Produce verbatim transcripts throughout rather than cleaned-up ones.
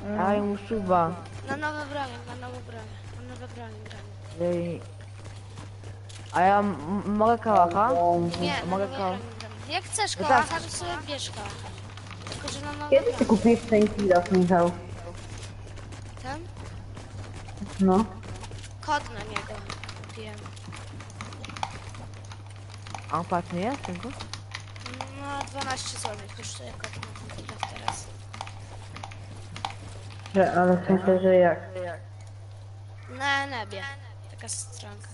Daj mu suba. Na nowe broń, na nowe broń. Na nowe broń, broń. Ej. A ja m- mogę kałacha? Nie, na Mogę nowe kałach. broń, broń. Jak chcesz No kałacha, tak. to sobie bierz kałacha. Tylko, że na nowe Kiedy ty broń. kupiłeś ten kilof, Michał? Ten? No. Kod na niego kupiłem. A on patrz, nie jest tylko? No, dwanaście złotych kosztuje kod na ten chwilę teraz. Że, ale w sensie, że jak? Na nebie. Taka stronka.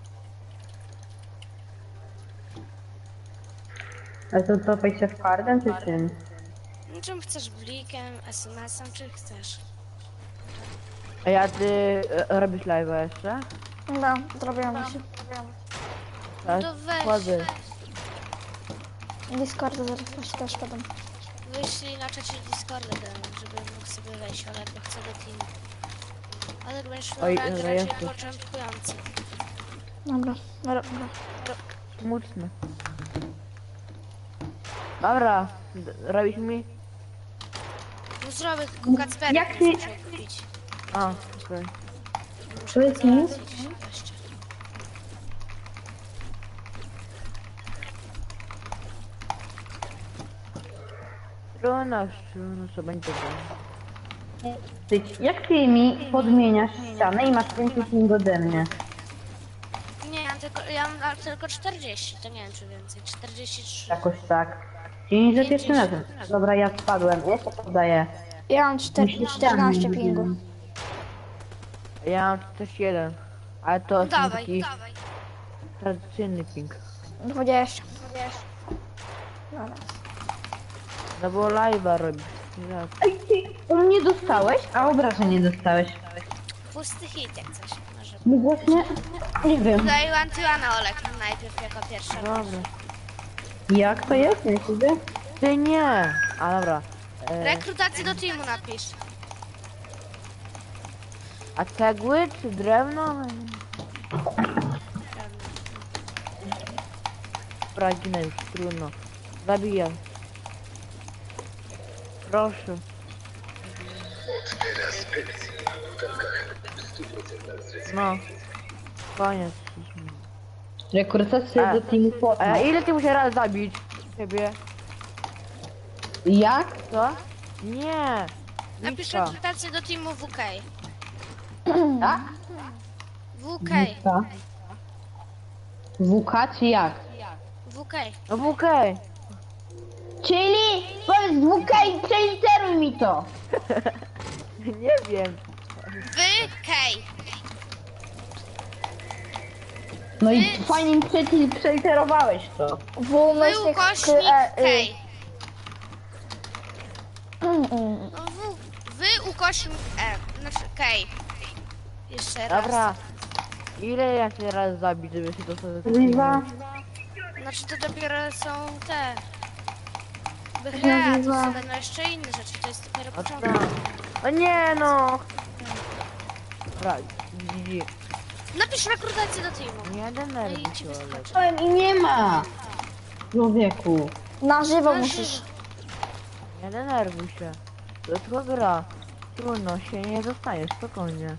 A to topaj się w kardem, czy czym? No, czym chcesz? Blikiem, es em esem, czy chcesz? A ja ty e, robisz live'a jeszcze? No, zrobiłam się. Tak, to weź. wchodzę. Discorda zaraz też też podam. Wyślij na czacie Discorda, żeby mógł sobie wejść, ale bo chcę do teamu. Ale będziesz miał Oj, rank dobra, raczej jesteś. początkujący. Dobra, dobra, dobra. Smutne. Dobra, d- robisz mi? No zrobię tylko Kacperek, Jak nie ty- muszę kupić. A, okej. Powiedz mi. Załatwić jeszcze. Trudno, trudno, co będzie było. Ty, jak ty mi podmieniasz ścianę i masz więcej ping ode mnie? Nie, ja mam tylko, ja mam tylko czterdzieści, to nie wiem czy więcej, czterdzieści trzy. Jakoś tak. Dzień za pierwszym razem. Dobra, ja spadłem. Jeszcze podaję. Ja mam czter- czternaście pingu. Ja mam też jeden. Ale to jest Dawaj, taki dawaj. tradycyjny ping. dwadzieścia. Dobra. No bo live'a robisz. Nie tak. Ej, ty u mnie dostałeś, a obrażeń nie dostałeś. Pusty hit jak coś. Może. No właśnie, nie wiem. Daj Antyłana Olek najpierw jako pierwsza. Dobra. Jak to jest? Nie widzę. Ty nie! A dobra. E, Rekrutację do teamu napisz. a cegły czy drewno? Dobra, ginę już, trudno. Zabijam. Proszę. No. Koniec. Rekrutacja A, do teamu A Fortnite. E, ile ty musisz raz zabić? Ciebie? Jak? Co? Nie. Napisz Wika. rekrutację do teamu W K. Tak? W K. Wika. W K czy jak? W K. No w okej. Czyli powiedz W K i przeliteruj mi to. Nie wiem. W K. No i fajnie mi przeci- przeliterowałeś to. W W myślnik ukośnik e, K. y. Mm, mm. No W, w ukośnik E. Znaczy K. Jeszcze raz. Dobra. Ile ja się raz zabić, żeby się dostać do Liwa. Znaczy to dopiero są te... Wychyla, to Nazywa- są będą jeszcze inne rzeczy, to jest dopiero O początek. tak. O nie no. Dobra, G G. Napisz rekrutację do teamu. Nie No denerwuj i ci się, Olek. wyskoczy. Powiem i nie ma. Człowieku. Na żywo Na musisz. żywo. Nie denerwuj się. To tylko gra. Trudno się nie dostanie, spokojnie.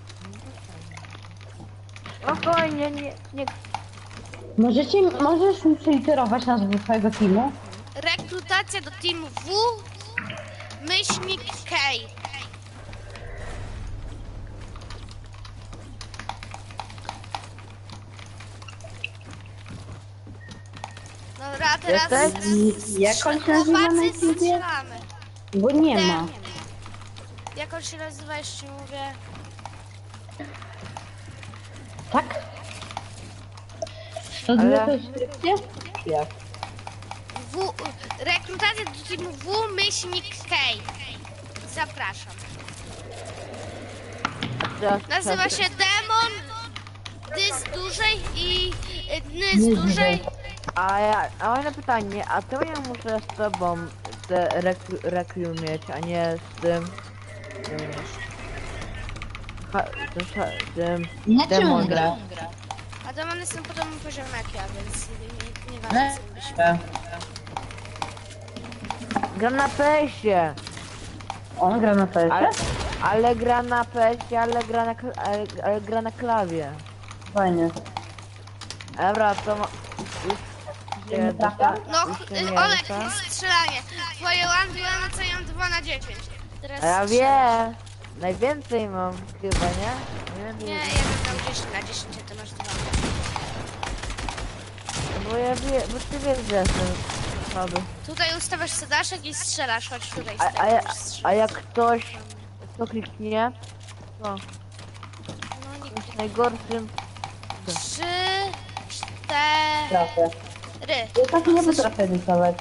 Spokojnie, nie, nie. Możecie, możesz mi przeliterować nazwę twojego teamu? Rekrutacja do teamu W myślnik K. Dobra, a teraz Jesteś? I jak on się nazywa na chłopacy YouTubie? strzelamy. Bo nie ma. Jak on się nazywa, jeszcze mówię. Tak? To Ale- Ale... to jest skrypcie? Jak? W, rekrutacja do teamu W myślnik K. Zapraszam. Teraz, Nazywa teraz- się Demon Dy z dużej i y, Ny z dużej. A ja, a mam pytanie, a to ja muszę z tobą te rekru, rekru mieć, a nie z tym... tym ha, tym, sza- tym Na czym demonem. gra? A demony są podobnym poziomem jak ja, więc nie, nie, nie Na... ważne co byś. Gra na pesie. On gra na P S? Ale, ale gra na P S, ale gra na, kl- ale, ale gra na klawie. Fajnie. Dobra, to ma... Już Nie się trafia? dosta- No, już się y, nie Olek, dosta- strzelanie. Twoje one to ja mam dwa na dziesięć. Teraz A ja strzelasz. wiem. Najwięcej mam chyba, nie? Nie wiem, Nie, ja bym dał dziesięć na dziesięć, a ty masz dwa. bo ja wiem, bo ty wiesz, że jestem słaby. Tutaj ustawiasz sedaszek i strzelasz, chodź tutaj. A, a, stajesz, ja, strzelasz. a jak ktoś to kliknie, to No nie jest najgorszym. Trzy, Trafię. cztery. Ja tak nie potrafię rysować.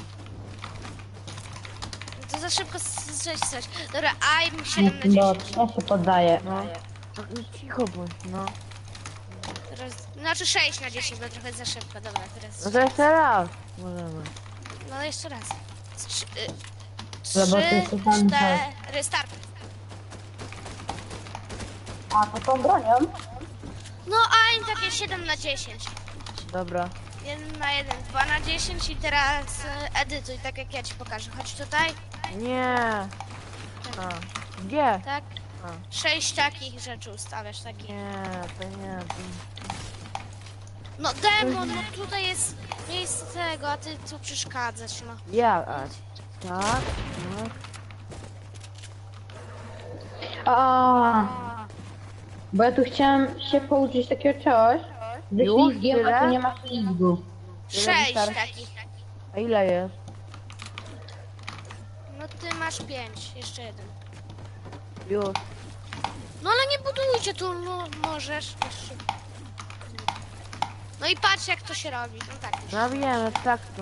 To za szybko strzeć coś. Dobra, I'm siedem na No, dziesięć. ja się poddaję. No. No, cicho bądź, no. Teraz, znaczy sześć na dziesięć, bo trochę za szybko. Dobra, teraz. No to jeszcze raz. Możemy. No jeszcze raz. Trzy, y, Zobaczcie, trzy co tam cztery, start. A, to tą bronią? No, I'm takie siedem na dziesięć. Dobra. jeden na jeden, dwa na dziesięć i teraz y, edytuj, tak jak ja ci pokażę. Chodź tutaj, Nie. A. Gdzie? tak? A. Sześć takich rzeczy ustawiasz, takich. Nie, to nie. To... No demon, no tutaj jest miejsce tego, a ty tu przeszkadzasz, no. Ja, a. Tak, tak. A, bo ja tu chciałem się pouczyć takiego czegoś. Ze Już? ślizgiem, a Tyle? tu nie ma ślizgu. Sześć wystarczy? takich. A ile jest? No ty masz pięć, jeszcze jeden. Już. No ale nie budujcie tu, no możesz. Jeszcze. No i patrz jak to się robi, no tak. No wiem, tak to.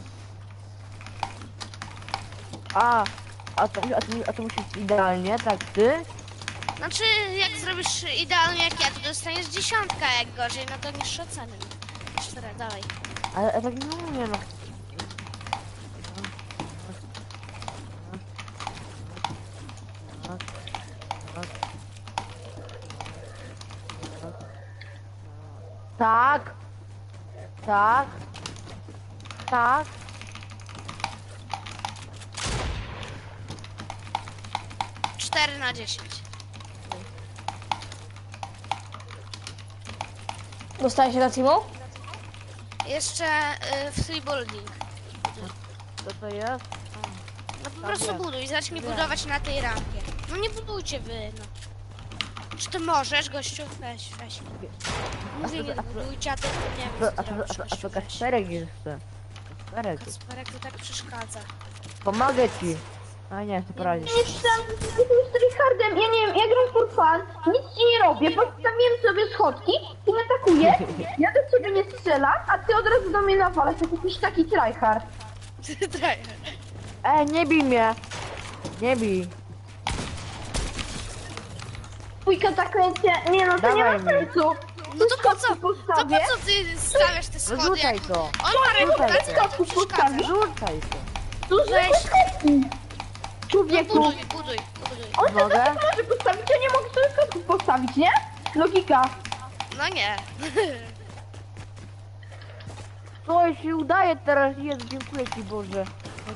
A, a to, a to, a to musi być idealnie, tak ty? Znaczy jak zrobisz idealnie jak ja, to dostaniesz dziesiątka, jak gorzej, no to niższe oceny. Cztery, dalej. Ale ja tak nie umiem. No. Tak. Tak. Tak. cztery na dziesięć. Dostaje się do teamu? Jeszcze y, free building. Co to jest? No po prostu wiem. buduj, zacznij Wiem. budować na tej rampie. No nie budujcie wy, no. Czy ty możesz, gościu? Weź, weź. Mówię, nie A to- budujcie, a ty nie A wiem, to, co a ty to, robisz, a to, a gościu, to weź. Kasperek jeszcze. Kasperek. Kasperek to tak przeszkadza. Pomogę ci. A nie, to poradzisz. Jestem, jestem stryhardem, ja nie wiem, ja gram for fun, nic ci nie robię, postawiłem sobie schodki, ty mnie atakujesz, ja do ciebie nie strzelam, a ty od razu do mnie nawalasz, jak jakiś taki tryhard. E, nie bij mnie. Nie bij. Dwójka zakręcie, nie no, to nie ma Dawaj mi. sensu. No to po co? To po postawię? co ty stawiasz te schody? Rzucaj jak... to. On ma Rzucaj reputację, to. to ci przeszkadza. Rzucaj to. Tu Weź. zwykłe schodki. No Człowieku, buduj, buduj, buduj. on sobie Mogę? tak może postawić, ja nie mogę sobie schodków postawić, nie? Logika. No nie. To się udaje teraz. Jezu, dziękuję ci Boże.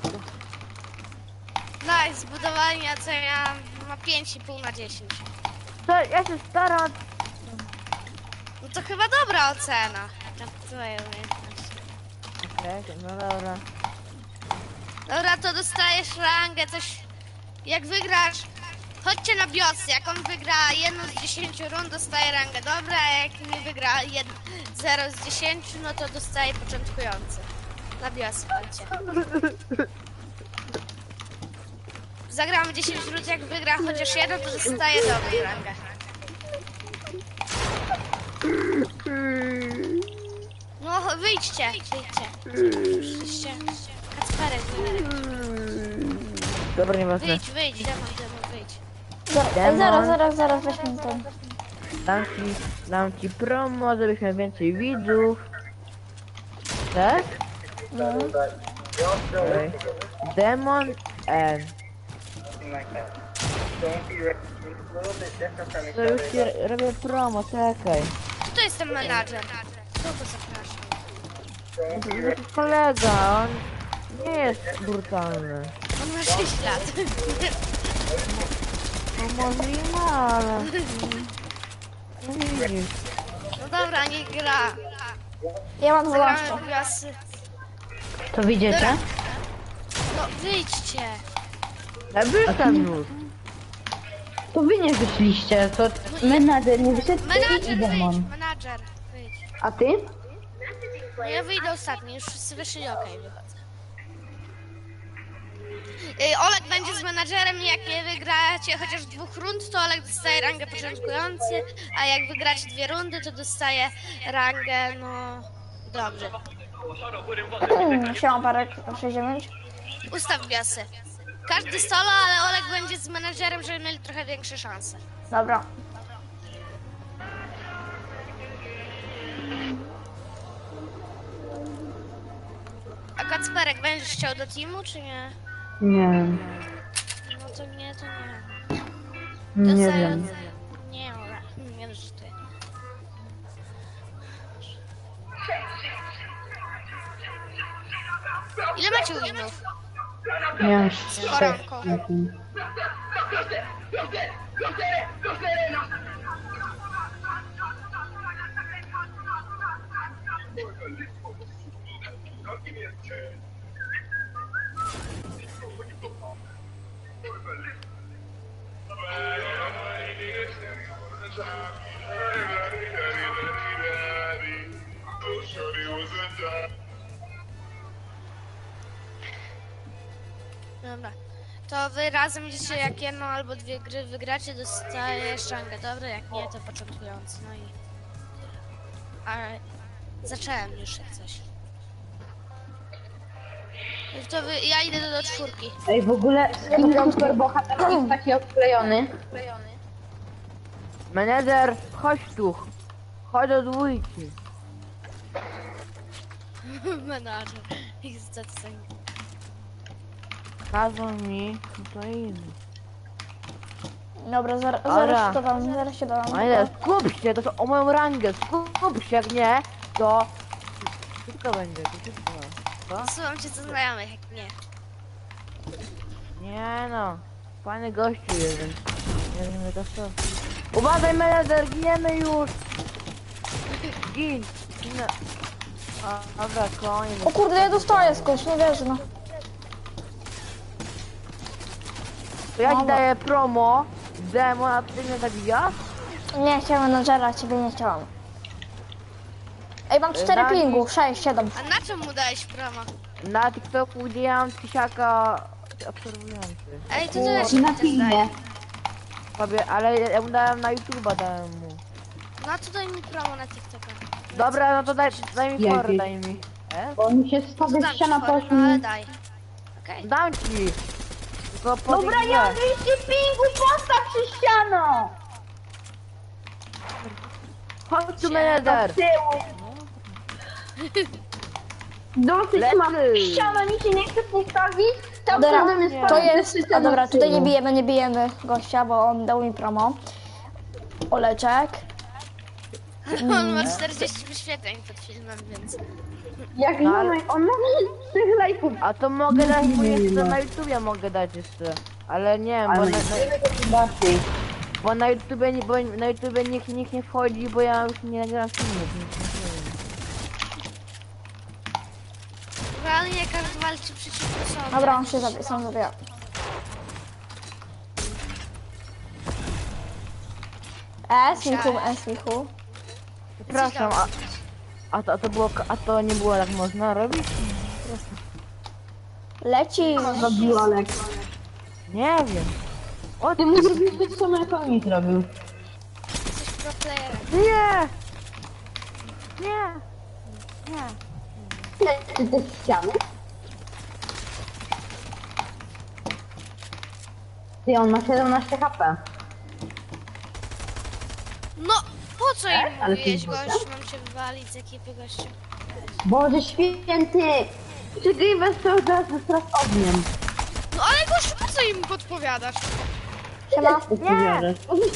Nice, zbudowanie, a co ja ma pięć i pół na dziesięć. To ja się staram. No to chyba dobra ocena. Na twoje umiejętności. Okej, no dobra. Dobra, to dostajesz rangę, coś... Jak wygrasz... Chodźcie na biosy, jak on wygra jedną z dziesięciu rund, dostaje rangę dobra, a jak nie wygra jed... zero z dziesięciu, no to dostaje początkujący. Na biosy chodźcie. Zagramy dziesięć rund, jak wygra chociaż jeden, to dostaje dobrą rangę. No wyjdźcie, wyjdźcie. Przyjdźcie. Kacperek, wyjdź. Dobra, nieważne. Wyjdź, wyjdź, demon, demon, wyjdź. Zaraz, Demon. zaraz, zaraz, zaraz weźmy ten. Dam ci, dam ci promo, żebyś miał więcej widzów. Tak? No. Okej. Demon N. To już ci r- robię promo, czekaj. Kto jest ten menadżer? Kto go zaprasza? To to jest kolega, on nie jest brutalny. On ma sześć lat. No możliwe, ale... No widzisz. No dobra, nie gra. Ja mam Zagramy dwanaście. w wiosy. To widzicie? No wyjdźcie. Ja wyszedłem już. To wy nie wyszliście, to menadżer nie wyszedł Menadżer, i wyjdź, demon. menadżer, wyjdź. A ty? No ja wyjdę ostatni, już wszyscy wyszli, okej, wychodzę. Yy, Olek będzie z menadżerem i jak nie wygracie chociaż dwóch rund, to Olek dostaje rangę początkujący, a jak wygracie dwie rundy, to dostaje rangę, no... Dobrze. Siema parek, sześć dziewięć. Ustaw biosy. Każdy solo, ale Olek będzie z menadżerem, żeby mieli trochę większe szanse. Dobra. A Kacperek, będziesz chciał do teamu, czy nie? Nie, No to nie, to nie. nie To za- wiem. Nie, Ola, nie żartuję. Ile macie winów? Nie, Koronką. Dobra. To wy razem idziecie, jak jedną albo dwie gry wygracie, dostajesz rangę, dobra? Jak nie, to początkujący, no i... Ale zacząłem już jak coś. To wy, ja idę do, do czwórki. Ej, w ogóle skin super bohater jest taki odklejony. Menedżer, chodź tu. Chodź do dwójki. Menadżer. Ich zdecydowanie. Kazał mi, no to idę. Dobra, zaraz, Dobra. zaraz się dodam, zaraz się dodam. Ale skup się, to są o moją rangę, skup się, jak nie, to... Wszystko będzie, to wszystko. Co? Słucham cię co znajomych, jak nie. Nie no, fajny gościu jest, więc nie wiem to co. Uważaj menedżer, giniemy już! Gin! Ginę. A, dobra, koniec. O kurde, ja dostaję skądś, nie wierzę, no. To ja ci Dobra. daję promo, demo, a ty mnie zabijasz? Nie chciałem menadżera, ciebie nie chciałam. Ej, mam cztery Dani- pingu, sześć, siedem. A na czym mu dałeś promo? Na TikToku gdzie ja mam tysiaka obserwujących. Ej, to ty też Na mi też filmie. daj. Sobie, ale ja mu dałem na YouTube'a, dałem mu. No to daj mi promo na TikToka. Dobra, no to daj, daj mi Jaki? forę, daj mi. E? Bo mi się To stawia dam ci ściana forę, po no ale daj. Okej. Dam ci! Tylko po Dobra, tej ja mam grze. dwieście pingu, postaw się ściano! Chodź tu menedżer! Tyłu. Dosyć Lecy. mam ściana, mi się nie chce postawić. Tam Dobra, przede mnie nie. spadł to jest... jeszcze A dobra, z tutaj nie tyłu. bijemy, nie bijemy gościa, bo on dał mi promo. Oleczek. On ma czterdzieści wyświetleń pod filmem, więc... Jak No, ale- ale... on ma trzech lajków. A to mogę dać mu jeszcze na YouTubie mogę dać jeszcze. Ale nie wiem, bo Ale na, na, bardziej. bo na YouTubie nie, bo na YouTubie nikt, nikt nie wchodzi, bo ja już nie nagram filmów, więc nie wiem. Realnie każdy walczy przeciwko sobie. Dobra, on się zabije, sam zabija. S, Michu, S, Michu. Przepraszam, a, a, to, a to było, a to nie było tak można robić? Leci. Zrobił Olek. Nie wiem. O Ty mu zrobiłeś to samo jak on mi zrobił. Jesteś pro playerem. nie! Nie! Nie! Ty te ściany? Ty, on ma siedemnaście H P. No, po co im ale mówiłeś, ty- gościu? Mam się wywalić z ekipy, gościu. Boże święty! Czekaj, bez to zaraz teraz ogniem. No ale gościu, po co im podpowiadasz? Siema. Nie!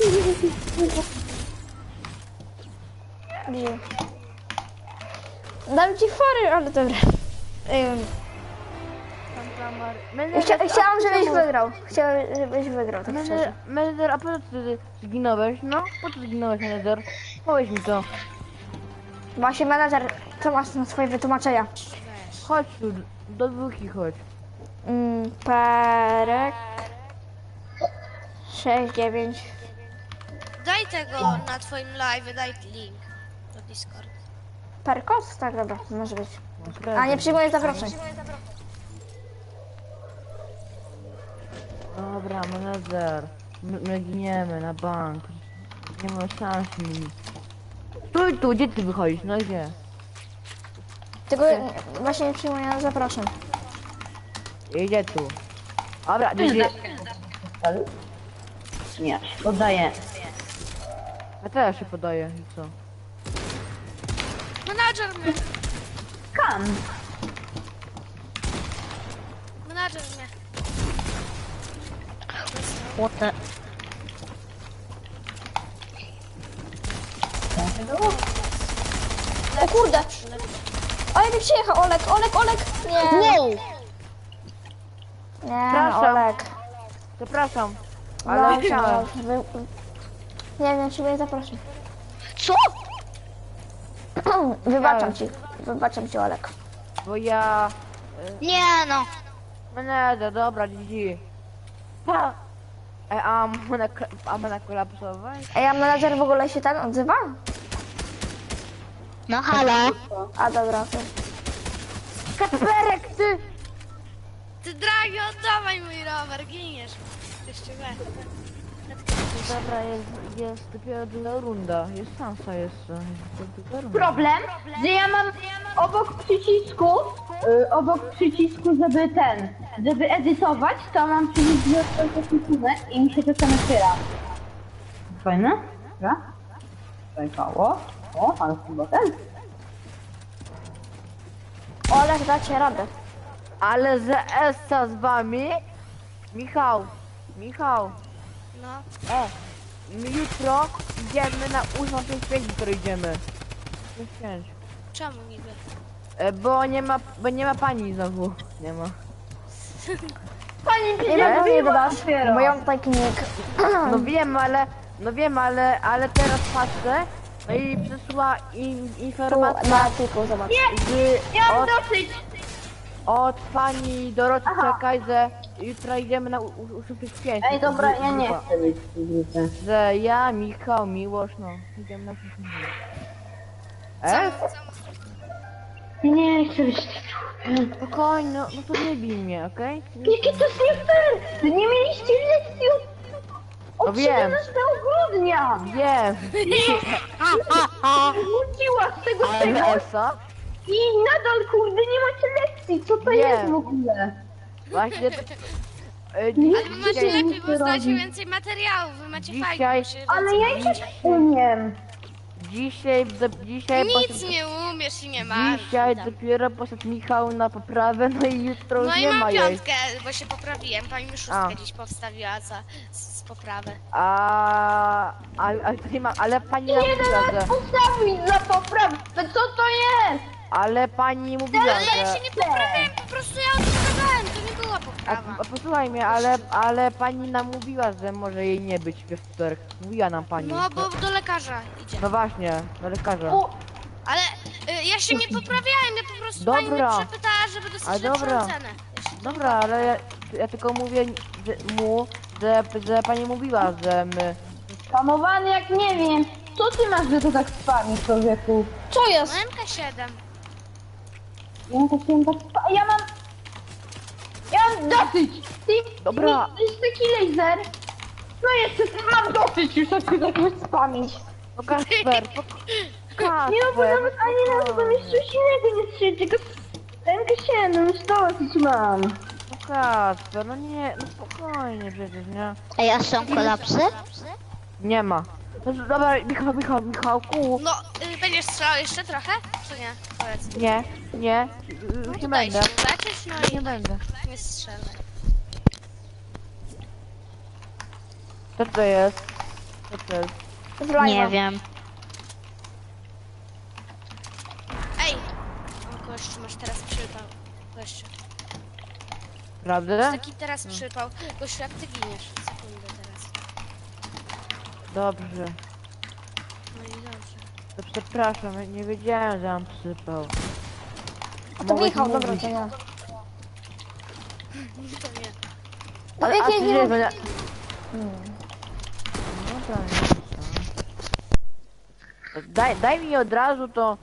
Bije. Dam ci fory, ale dobra. Ym, Tam, tam, Menedżer, Chcia, a chciałam, po co żebyś mu- wygrał. Chciałem, żebyś wygrał, tak Menedżer, szczerze. menedżer, a po co ty zginąłeś? No, po co zginąłeś, menedżer? Powiedz mi to. Właśnie menadżer, co masz na swoje wytłumaczenia? Chodź tu, do dwójki chodź. Mm, Perek. sześć dziewięć. Daj tego na twoim live, daj link do Discord. Perkos? Tak, dobra, może być. No, A nie przyjmuję zaproszeń. Dobra, menedżer. My, my giniemy na bank. Nie ma szans mi. Stój tu, gdzie ty wychodzisz? No gdzie? Tylko właśnie nie przyjmuję zaproszeń. Idzie tu. Dobra, gdzie? Nie, oddaję. Ja też się podaję i co? Menadżer mnie, Kan. menadżer mnie. O kurde! Ale mi przyjechał Olek, Olek, Olek! Nie! Nie, Przepraszam. Olek. Przepraszam, Ale ale no, chciałem. wy... Nie wiem, czy mnie zaproszę. Co? Wybaczam ci, wybaczam ci Olek. Bo ja... Nie no. Menedżer, dobra, G G. Pa! E, a mana, a mana kolapsować? Ej, a menadżer w ogóle się ten odzywa? No halo. A dobra, to... Kacperek, ty! Ty dragi, oddawaj mój rower, giniesz. Jeszcze we. Dobra, jest, jest dopiero druga runda. Jest szansa jeszcze. Jest druga runda. Problem, że ja mam obok przycisku, y, obok przycisku, żeby ten, żeby edytować, to mam przycisk rysunek i mi się czasem otwiera. Fajne? Dobra. Zajkało. O, ale chyba ten. Olek, dacie radę. Ale że Essa z wami? Michał, Michał, No. e, my jutro idziemy na ósmą pięć pięć, jutro idziemy. pięć pięć. Czemu niby? E, bo nie ma, bo nie ma pani znowu. Nie ma. Pani Nie wiem, nie dodasz, dopiero. bo ja mam taki nick. No wiem, ale, no wiem, ale, ale teraz patrzę, no i przyszła in, Tu informacja na tiku, zobacz. z, Ja mam od, dosyć. od pani Doroty, czekaj, że jutro idziemy na ósmą pięć pięć. Ej, dobra, ja nie chcę być w tej grupie. Że ja, Michał, Miłosz, no, idziemy na ósmą pięć pięć. E? Nie chcę być w tej grupie. Spokojnie, no, no to nie bij mnie, okej? Jakie to jest nie fair! Wy nie mieliście lekcji od, No od wiem. siedemnastego grudnia! Wiem. Wróciła z tego tego Ale Esa? i nadal kurde nie macie lekcji! Co to Wiem. jest w ogóle? Właśnie... E, Nie Ale wy macie Dzisiaj lepiej, nic bo nie znacie robi. więcej materiałów, wy macie Dzisiaj- fajnie. się Ale ja i tak umiem. Dzisiaj, do, dzisiaj... Nic poszedł- nie umiesz i nie masz. Dzisiaj dopiero poszedł Michał na poprawę, no i jutro No już i nie ma mam jej. piątkę, bo się poprawiłem. Pani mi szóstkę A. dziś powstawiła za, z, z poprawy. A, a, a to nie ma, ale pani nam Jeden mówiła, raz że, postawić za poprawę! Co to jest? ale pani mówiła, Ale ja że, się nie poprawiłem, po prostu ja odprawiałem, to nie była a, poprawa. a posłuchaj mnie, ale, ale pani nam mówiła, że może jej nie być we wtorek. Mówiła nam pani. No bo do lekarza idzie. No właśnie, do lekarza. O, Ale y, ja się nie poprawiałem, ja po prostu pani Dobra. mnie przepytała, żeby A dostać lepszą dobra. cenę. Jeszcze- Dobra, ale ja, ja tylko mówię że, mu, że, że pani mówiła, że my... Hamowany jak nie wiem. Co ty masz, że to tak spami, człowieku? Co jest? No M K siedem. Ja tak się tak spa... Ja mam... Ja mam dosyć! Ty, Dobra. To jest taki laser. No jeszcze mam dosyć już tak się tak spamić. No Kasper, po... Kasper, Nie no, bo nawet ani razu tam jeszcze coś innego nie strzeli, tylko rękę się, no już dosyć mam. no Kasper, no nie, no spokojnie przecież, nie? Ej, a są kolapsy? Nie ma. No, dobra, Michał, Michał, Michałku. No, y, będziesz strzelał jeszcze trochę? Czy nie? Powiedz. Nie, nie, już No nie to daj będę. się uleczyć, no Nie i będę. nie strzelaj. Co to jest? Co to jest? Z live'a. Nie wiem. Ej! O, gościu, masz teraz przypał. Gościu. Prawda? Taki teraz przypał. Gościu, jak ty giniesz? Sekundę teraz. Dobrze. No i dobrze. To przepraszam, ja nie wiedziałem, że mam przypał. A to Mogę Michał, ci dobra, mówić. to ja. To nie. No Ale, a wiecie, ty nie nie... mam... będę- Hmm. No to nie co. Daj, daj mi od razu to...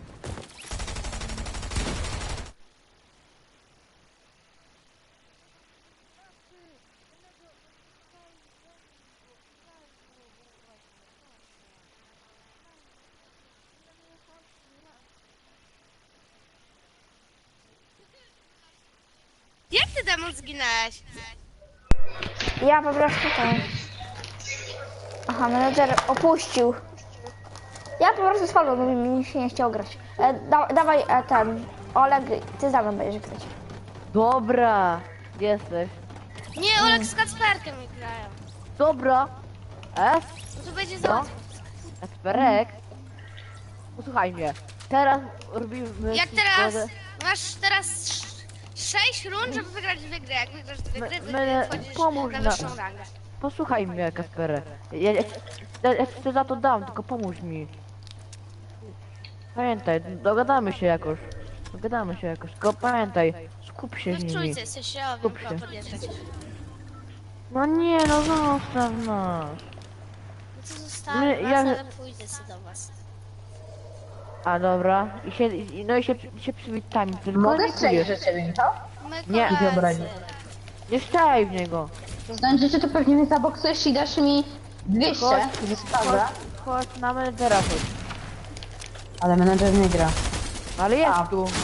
Jak ty demon zginęłeś? Ja po prostu tam. Aha, menedżer opuścił. Ja po prostu spadłem, bo mi się nie chciał grać. E, da, dawaj e, ten. Oleg, ty za mną będziesz grać. Dobra, jesteś. Nie, Olek z Kacperkiem mi grają. Dobra. Es? No to będzie Co? za... Kasperek? Posłuchaj mnie. Teraz robimy... Jak teraz... Masz teraz sz- sześć rund, żeby wygrać dwie gry. Jak wygrasz dwie Me- gry, wy- me- wchodzisz pomóż na na- wyższą rangę. Posłuchaj mnie, Kasperek. Ja, ja, ja, ja ci za to dam, tylko pomóż mi. Pamiętaj, dogadamy się jakoś. Dogadamy się jakoś, tylko pamiętaj, skup się No z w nimi. trójce jesteś, ja Skup wiem, się. podjeżdżać. No nie, no zostaw nas. No to zostawię My- was, ja- ale pójdę sobie do was. A dobra, i się, i- no i się, się przywitajmy, tylko Mogę nie strzelić czujesz. do ciebie, Michał? My Nie. koledzy. obraził. Nie strzelaj w niego. Znaczy, że to pewnie mnie zaboksujesz i dasz mi dwieście. Chodź, Dobra. chodź, chodź na menedżera chodź. Ale menadżer nie gra. Ale jest A. tu.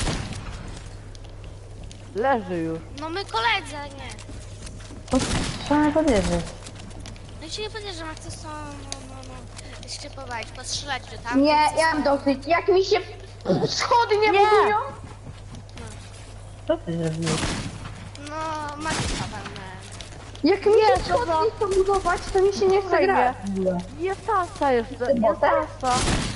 Leży już. No my koledzy, a nie. To trzeba mnie podjeżdżać. No i się nie podjeżdżam, jak to są, no, no, no. Się powalić, postrzelać do tam. Nie, ja mam dosyć. Jak mi się schody nie Nie. budują? Co ty zrobiłeś? No, magika walnąłem. Jak mi się schody nie chcą budować, to mi się nie chce Słuchaj grać. Jest tasa jeszcze, jest botem? tasa.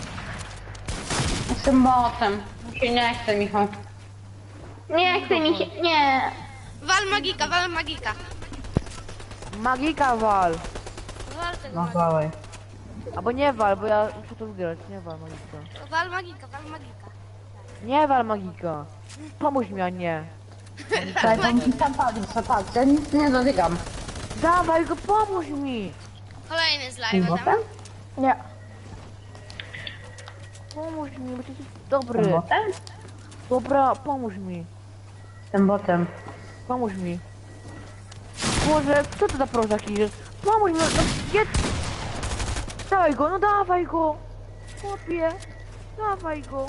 Jestem botem. Mi się nie chce, Michał. Nie chce mi się, nie. Wal magika, wal magika. Magika wal. Wal tego No magika. dawaj. Albo nie wal, bo ja muszę to wygrać. Nie wal magika. Wal magika, wal magika. Nie wal magika. Pomóż mi, a nie. Daj, bo mi tam padł, co padł. Ja nic nie dotykam. Dawaj go, pomóż mi. Kolejny z Tym live'a, botem? tam. Nie. Pomóż mi, bo ty jesteś Tym dobry. botem? Dobra, pomóż mi. Tym botem. Pomóż mi. Boże, co to za prozak jest? Pomóż mi, no jedz. Dawaj go, no dawaj go. Chłopie, dawaj go.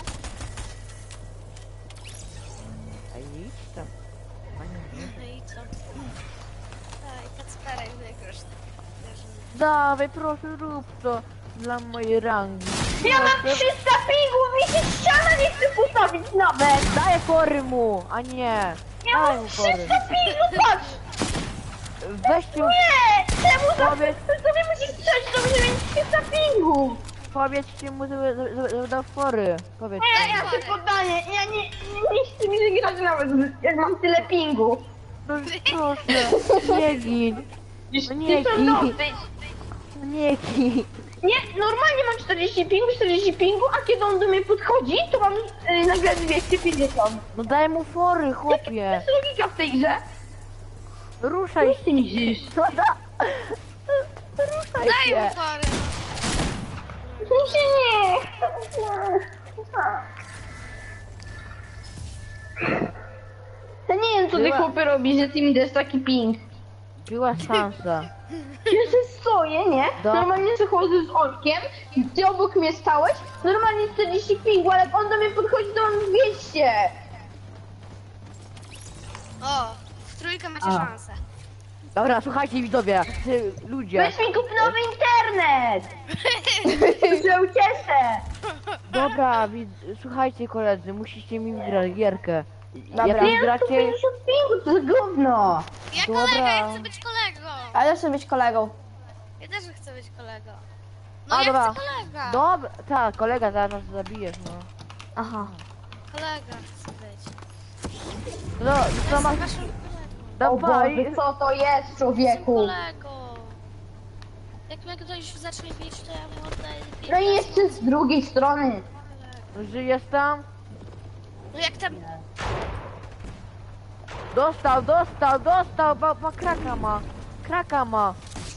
Ej, idź tam. Panie, No i co? Daj, Kacperek wygrasz. dawaj, proszę, rób to dla mojej rangi. Ja mam Proszę. trzysta pingów, mi się ściana nie chce postawić nawet. Daj fory mu, a nie. Ja Daj mam mu fory. trzysta pingów, patrz. Weźcie, Nie, czemu za Powiedz- to sobie musisz strzelić, to będzie mieć trzysta pingów. powiedzcie mu, żeby żeby- żeby dał fory. Powiedzcie. Nie, ja się poddaję, ja nie, nie, nie chcę mi się grać nawet, jak mam tyle pingów. No proszę, nie gin. No nie Ty są gin. dosyć. No nie gin. Nie, normalnie mam czterdzieści pingów, czterdzieści pingów, a kiedy on do mnie podchodzi, to mam yy, nagle dwieście pięćdziesiąt. No daj mu fory, To chłopie. jest logika w tej grze. Ruszaj Nic ty nie żyjesz. No da. Ruszaj Daj się. mu fory. Mi się nie. Ja nie wiem, co ty Była- chłopy robi, że ty mi dasz taki ping. Była szansa. Ja się stoję, nie? Do- Normalnie przychodzę z Olkiem, ty obok mnie stałeś, normalnie czterdzieści pingu, ale jak on do mnie podchodzi, to mam dwieście. O, w trójkę macie A. szansę. Dobra, słuchajcie widzowie, ty, ludzie. Weź mi kup nowy internet! To się ucieszę! Dobra, widz, słuchajcie koledzy, musicie mi wygrać gierkę. Dobra. Jak Nie mi mam gracie, sto pięćdziesiąt pingu, to jest gówno! Ja Dobra. kolega, ja chcę być kolegą. Ale ja chcę być kolegą. Ja też chcę być kolegą. No A, ja dobra. chcę kolega. dobra, tak, kolega zaraz nas zabijesz, no. Aha. Kolega chcę być. No, Ja co jestem masz, waszym kolegą. O Dawaj! Boże, co to jest, człowieku? Kolego. Jak mnie ktoś zacznie bić, to ja mu oddaję No i piętnaście. jeszcze z drugiej strony. Żyjesz tam? No jak tam... Dostał, dostał, dostał, bo, bo kraka ma. Kraka ma.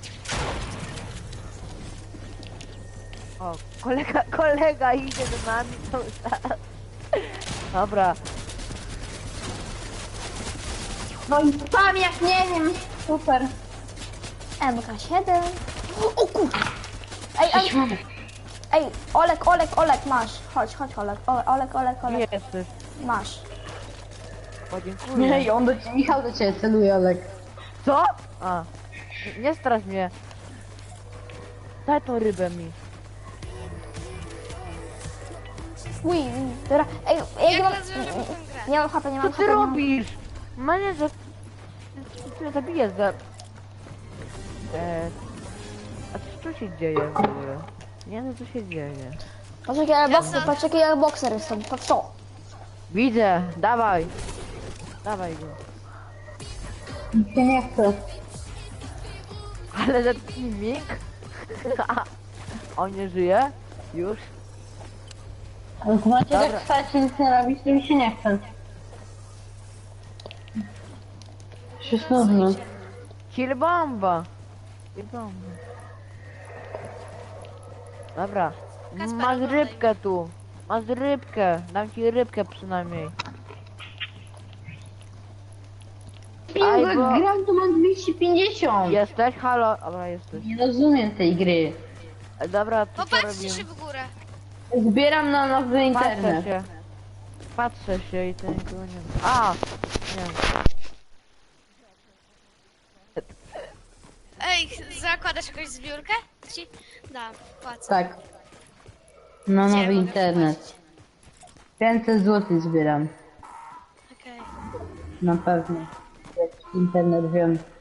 O, kolega, kolega idzie do nami cały czas. Dobra, No i spam jak nie wiem. Super. M K siedem. O kur... Ej, ej, ej, Olek, Olek, Olek, masz. Chodź, chodź, Olek, O- Olek, Olek, nie Olek, jesteś. masz. Podziękuję. Nie, on do ciebie, Michał do ciebie celuje, Olek. Co? A, nie, nie strasz mnie. Daj tą rybę mi. Uj, dobra. Ej, ej, nie Jak mam... rozwiążemy tę grę? Nie mam chapy, nie Co mam ty chapy. nie mam- robisz? Mnie za... Ty mnie zabijesz za... E... A co tu się dzieje w ogóle? Nie wiem co się dzieje. Patrz jaki ja bokser, patrz jaki ja bokser jestem, patrz to. Widzę, dawaj. Dawaj go. Nic się nie chce. Ale za teaming? On nie żyje? Już? Ale macie Dobra. tak stać i nic nie robić, to mi się nie chce. Się nudno. Kill bomba. Kill bomba. Dobra. Kacper, Masz oglądaj. rybkę tu. Masz rybkę. Dam ci rybkę przynajmniej. Aj, Pingwek bo- gram, to mam dwieście pięćdziesiąt. Jesteś? Halo? Dobra, jesteś. Nie rozumiem tej gry. E, Dobra, to co Popatrzcie robimy? się w górę. Zbieram na nowy Patrzę internet. się. Patrzę się i to nikogo nie ma. A! Nie. Ej, zakładasz jakąś zbiórkę? Ci dam, płacę. Tak. Na Gdzie nowy mogę internet. wpłacić? pięćset złotych zbieram. Okej. Na pewno. Jak internet wiem.